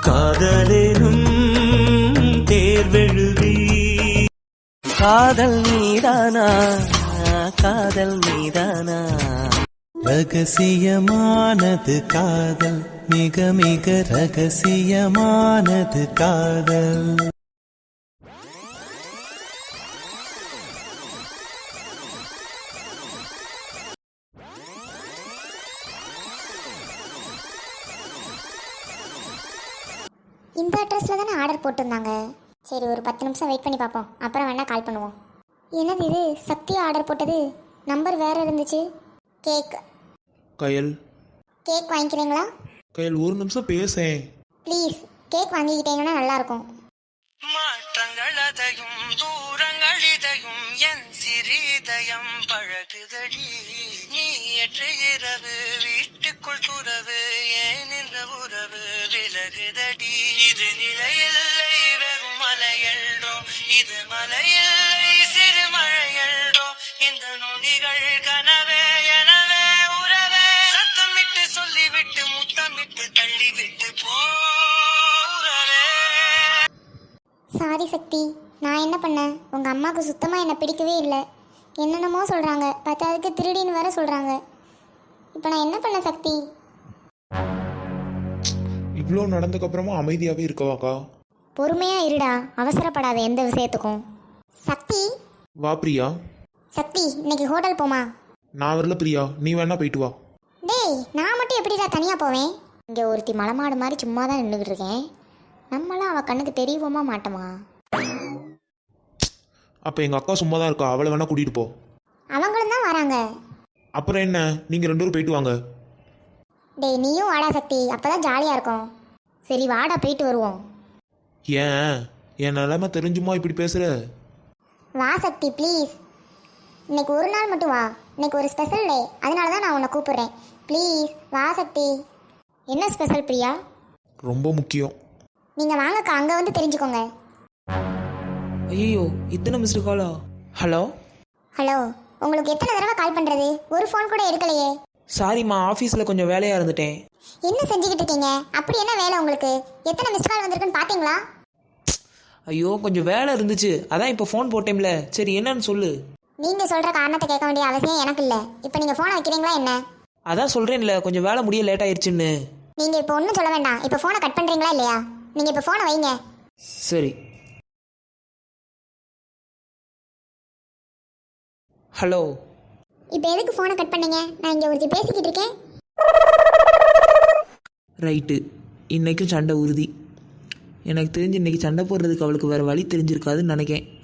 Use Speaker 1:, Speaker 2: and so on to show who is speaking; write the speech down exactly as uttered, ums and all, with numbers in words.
Speaker 1: காதலேனும் தேர்வெழுதி காதல் மீதானா காதல் மீதானா ரகசியமானது காதல் மிக மிக ரகசியமானது காதல்.
Speaker 2: இந்த அட்ரஸில் தானே ஆர்டர் போட்டிருந்தாங்க. சரி, ஒரு பத்து நிமிஷம் வெயிட் பண்ணி பார்ப்போம், அப்புறம் வேணால் கால் பண்ணுவோம். என்னது இது, சக்தியா ஆர்டர் போட்டது? நம்பர் வேறு இருந்துச்சு. கேக்
Speaker 3: கயல்
Speaker 2: கேக் வாங்கிக்கிறீங்களா?
Speaker 3: கயல் ஒரு நிமிஷம் பேசேன்
Speaker 2: ப்ளீஸ், கேக் வாங்கிக்கிட்டீங்கன்னா நல்லாயிருக்கும்.
Speaker 1: மாற்றங்கள் அதையும் தூரங்கள் இதையும் என் சிறிதயம் பழகுதடி நீ ஏற்ற இரவு வீட்டுக்குள் துறவு ஏன் இந்த உறவு விலகுதடி இது நிலையில்லை வெறும் மலையல்றோ இது மலையில்லை சிறு மழையல்றோ இந்த நொடிகள் கனவே எனவே உறவே சத்தமிட்டு சொல்லிவிட்டு முத்தமிட்டு தள்ளிவிட்டு போறவே.
Speaker 2: சாரி சக்தி, நான் என்ன பண்ணேன்? உங்கள் அம்மாவுக்கு சுத்தமாக என்னை பிடிக்கவே இல்லை. என்னென்னமோ சொல்கிறாங்க, பத்தாவதுக்கு திருடின்னு வேற சொல்கிறாங்க. இப்போ நான் என்ன பண்ண சக்தி?
Speaker 3: இவ்வளோ நடந்ததுக்கப்புறமா அமைதியாகவே இருக்கவாக்கா?
Speaker 2: பொறுமையாக இருடா, அவசரப்படாத எந்த விஷயத்துக்கும். சக்தி
Speaker 3: வா பிரியா.
Speaker 2: சக்தி, இன்னைக்கு ஹோட்டல் போமா?
Speaker 3: நான் வரல பிரியா, நீ வேணா போயிட்டு வா.
Speaker 2: டேய், நான் மட்டும் எப்படிடா தனியாக போவேன்? இங்கே ஒருத்தி மலமாடு மாதிரி சும்மா தான் நின்றுக்கிட்டு இருக்கேன். நம்மளாம் அவள் கண்ணுக்கு தெரியவோமா மாட்டோமா?
Speaker 3: அப்போ எங்கள் அக்கா சும்மா தான் இருக்கா, அவளை வேணா கூட்டிகிட்டு போ.
Speaker 2: அவங்களும் தான் வராங்க.
Speaker 3: அப்புறம் என்ன, நீங்கள் ரெண்டு பேரும் போயிட்டு வாங்க.
Speaker 2: டேய், நீயும் வாடா சக்தி, அப்போ தான் ஜாலியாக இருக்கும். சரி வாடா, போயிட்டு வருவோம்.
Speaker 3: ஏன் என் நிலைமை தெரிஞ்சுமா இப்படி பேசுகிற?
Speaker 2: வா சக்தி ப்ளீஸ், இன்னைக்கு ஒரு நாள் மட்டும் வா. இன்னைக்கு ஒரு ஸ்பெஷல் டே, அதனால தான் நான் உன்னை கூப்பிடுறேன். ப்ளீஸ் வா சக்தி. என்ன ஸ்பெஷல் பிரியா?
Speaker 3: ரொம்ப முக்கியம்.
Speaker 2: நீங்கள் வாங்கக்கா, அங்கே வந்து தெரிஞ்சுக்கோங்க.
Speaker 4: ஐயோ, இத்தனை மிஸ்டு காலா? ஹலோ
Speaker 2: ஹலோ, உங்களுக்கு எத்தனை தடவை கால் பண்ணுறது? ஒரு ஃபோன் கூட எடுக்கலையே.
Speaker 4: சாரிம்மா, ஆஃபீஸில் கொஞ்சம் வேலையாக இருந்துட்டேன்.
Speaker 2: என்ன செஞ்சுக்கிட்டு இருக்கீங்க? அப்படி என்ன வேலை உங்களுக்கு? எத்தனை மிஸ்ட் கால் வந்திருக்குன்னு பார்த்தீங்களா?
Speaker 4: ஐயோ, கொஞ்சம் வேலை இருந்துச்சு, அதான் இப்போ ஃபோன் போட்டேன்ல. சரி, என்னன்னு சொல்லு.
Speaker 2: நீங்கள் சொல்கிற காரணத்தை கேட்க வேண்டிய அவசியம் எனக்கு இல்லை. இப்போ நீங்கள் ஃபோனை வைக்கிறீங்களா என்ன?
Speaker 4: அதான் சொல்கிறேன்ல, கொஞ்சம் வேலை முடிய லேட் ஆயிடுச்சுன்னு.
Speaker 2: நீங்கள் இப்போ ஒன்றும் சொல்ல வேண்டாம். இப்போ ஃபோனை கட் பண்ணுறீங்களா இல்லையா? நீங்கள் இப்போ ஃபோனை வைங்க.
Speaker 4: சரி. ஹலோ.
Speaker 2: இப்போ எதுக்கு ஃபோனை கட் பண்ணீங்க? நான் இங்கே ஒருத்தி பேசிக்கிட்டு இருக்கேன்.
Speaker 4: ரைட்டு, இன்றைக்கும் சண்டை உறுதி. எனக்கு தெரிஞ்சு இன்றைக்கி சண்டை போடுறதுக்கு அவளுக்கு வேறு வழி தெரிஞ்சிருக்காதுன்னு நினைக்கேன்.